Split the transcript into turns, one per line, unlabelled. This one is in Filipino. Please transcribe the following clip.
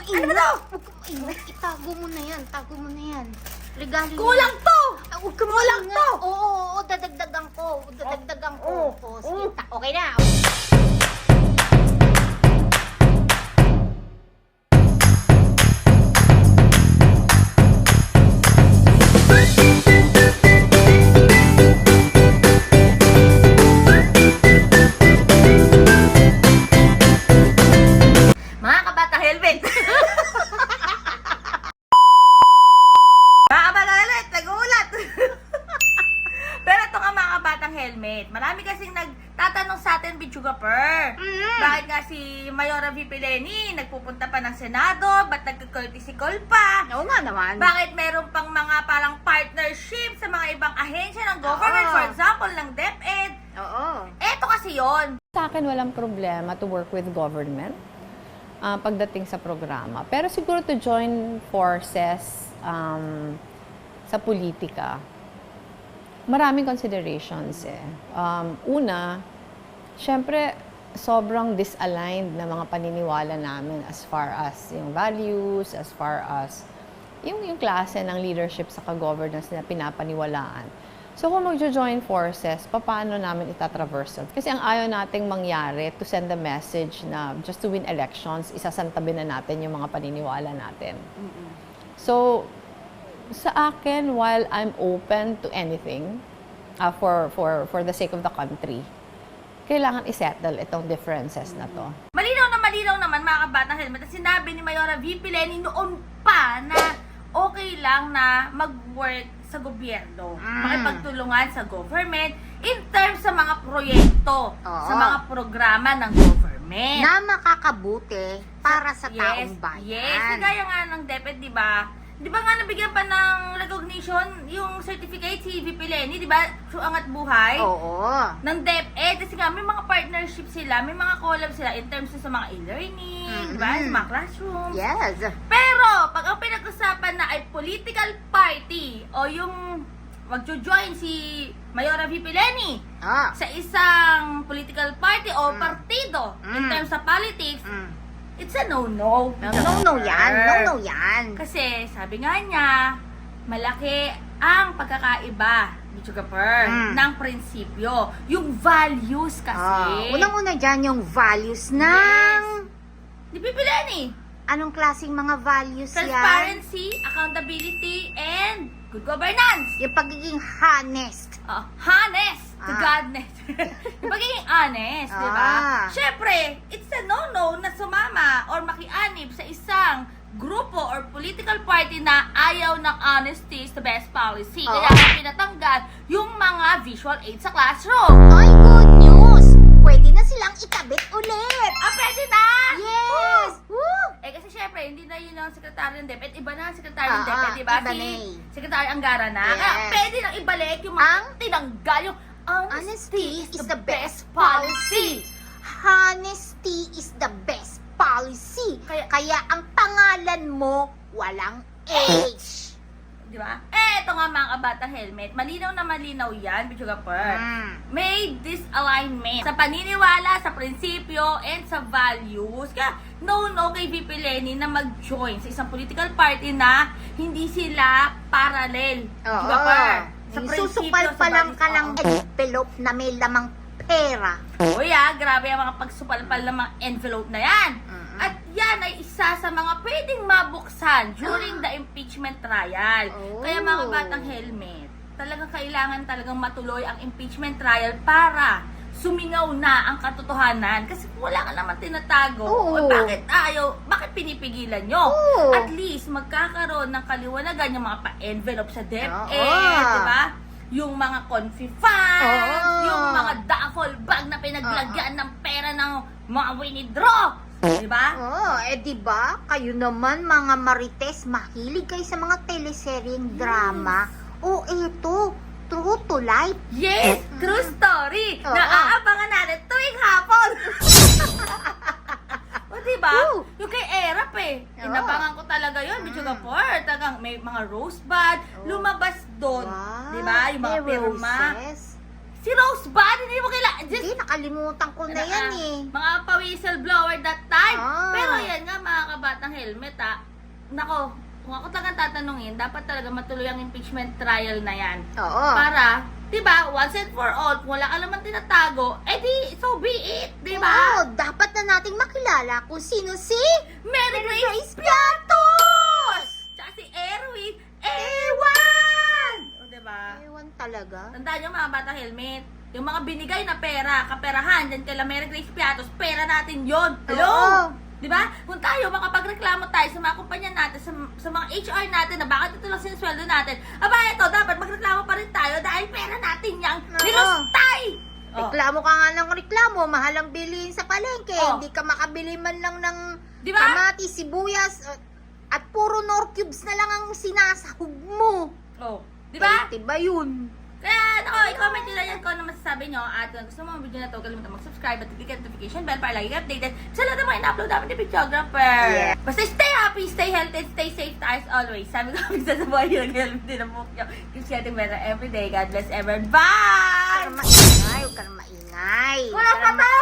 maingay.
Ano ba to?
Huwag ka maingay. Itago mo na yan. Tago mo na yan. Regalo
Kulang to!
Huwag ka
Kulang
maingay.
to!
Oo, dadagdagan ko. Dadagdagan ko.
Oo.
Sige, okay na.
Mga kabata helmet! Mga kabata helmet, nagulat! Pero ito nga mga kabatang helmet, marami kasing nagtatanong sa atin, Bichuga Per. Bakit nga si Mayora V. Pileni nagpupunta pa ng Senado? Ba't nagka-courtesy call pa?
Oo nga naman.
Bakit meron pang mga parang partnership sa mga ibang ahensya ng government?
Oo.
For example, ng DepEd.
Oo.
Eto kasi yon.
Sa akin, walang problema to work with government pagdating sa programa. Pero siguro to join forces sa politika, maraming considerations eh. Una, syempre, sobrang disaligned na mga paniniwala namin as far as yung values, as far as yung klase ng leadership sa governance na pinapaniwalaan. So kung magjo-join forces, paano namin itatraverse yun? Kasi ang ayaw nating mangyari to send a message na just to win elections, isasantabi na natin yung mga paniniwala natin. So, sa akin, while I'm open to anything for the sake of the country, kailangan isettle itong differences na to.
Malinaw naman mga kabatang helmet na sinabi ni Mayora V. Pileni noon pa na okay lang na mag-work sa gobyerno, makipagtulungan sa government in terms sa mga proyekto,
Oo.
sa mga programa ng government.
Na makakabuti para sa taong bayan.
Yes, kagaya nga ng DepEd, di ba? Di ba nga nabigyan pa ng recognition yung certificate si VP Lenny, di ba? So, Angat Buhay.
Oo.
Ng DepEd. Kasi nga, may mga partnership sila, may mga collab sila in terms sa mga e-learning, di ba? Sa mga classrooms.
Yes.
Pero, pag ang pinag-usapan na ay political party o yung magjo-join si Mayora V. Pileni sa isang political party o partido in terms sa politics, it's a no-no.
No yan. No yan.
Kasi sabi nga niya, malaki ang pagkakaiba ni Chugaper ng prinsipyo. Yung values kasi.
Unang-una dyan yung values ng...
Di Pileni.
Anong klaseng mga values yan?
Transparency, accountability, and good governance.
Yung pagiging honest.
Honest to godness. Yung pagiging honest, di ba? Siyempre, it's a no-no na sumama or makianib sa isang grupo or political party na ayaw ng honesty is the best policy. Kaya pinatanggal yung mga visual aid sa classroom.
Ay, good news! Pwede na silang ikabit ulit!
Pwede na!
Yes! Woo!
Kasi syempre, hindi na yun ang sekretary ng DepEd. Iba na ang sekretary ng
Ah,
DepEd, di ba?
iba
Si
na eh.
Sekretary Angara na.
Yes.
Kaya pwede nang ibalik yung mga tinanggal yung
Honesty is the best policy. Honesty is the best policy. Kaya ang pangalan mo, walang H.
Di ba? Eto nga mga kabatang helmet. Malinaw na malinaw yan, Bichuga Per. May disalignment sa paniniwala, sa prinsipyo, and sa values. Kaya, no kay VP Lenny na mag-join sa isang political party na hindi sila parallel. Bichuga Per. Sa
Susupal
prinsipyo,
pa
sa
lang
values.
ka ng envelope na may lamang pera.
Uy grabe ang mga pagsupalpal ng mga envelope na yan. At yan ay isa sa mga pwedeng mabuksan during the impeachment trial. Kaya mga kabatang helmet, talagang kailangan talagang matuloy ang impeachment trial para sumingaw na ang katotohanan. Kasi wala ka naman tinatago. O bakit bakit pinipigilan nyo? At least magkakaroon ng kaliwanagan yung mga pa-envelope sa DepEd, di ba? Yung mga confi funds, yung mga duffel bag na pinaglagyan ng pera ng mga winidraw. Diba?
Diba? Kayo naman mga marites, mahilig kayo sa mga teleseryeng drama. Eto, true to life.
Yes! True story! Naaabangan natin tuwing hapon! Diba? Yung kay Erap inabangan ko talaga yun, Bichuga Per. Talagang may mga rosebud, lumabas doon. Diba? Yung mga pirma. Si Rosebud, hindi mo kailangan.
Hindi, nakalimutan ko na yan eh.
Mga pa-whistleblower that time.
Ah.
Pero yan nga mga kabatang helmet nako, kung ako talagang tatanungin, dapat talaga matuloy ang impeachment trial na yan.
Oo.
Para, di ba, once and for all, kung wala ka naman tinatago, edi, so be it, di ba?
Oo, dapat na nating makilala kung sino si
Mary Grace Piatos! Tsaka si Erwin Ewan! O, di ba?
Ewan talaga.
Tandaan nyo mga bata helmet, yung mga binigay na pera, kaperahan, dyan kay Mary Grace Piatos, pera natin yon. Hello?
Oo.
Di ba? Kung tayo, makapagreklamo tayo sa mga kumpanya natin, sa mga HR natin na bakit ito lang sinusweldo natin, aba, ito, dapat magreklamo pa rin tayo dahil pera natin yung nilustay! Oh.
Reklamo ka nga ng reklamo, mahal ang bilihin sa palengke.
Oh.
Hindi ka makabili man lang ng
Di ba?
kamatis, sibuyas, at puro nor cubes na lang ang sinasahog mo.
Oh. Di ba?
Diba yun?
Kaya, nako, i-comment nyo lang yan kung ano masasabi nyo. At kung gusto mo ang video na to, kalimutan mag-subscribe at click ang notification bell para lagi ka updated sa lahat ng mga in-upload namin ni Videographer.
Yeah.
Basta stay happy, stay healthy, and stay safe as always. Sabi ko, minsan sa buhay nyo, nag-help din ang buhok nyo. Keep getting better every day. God bless everyone. Bye!
Huwag ka na maingay.
Wala pa tayo!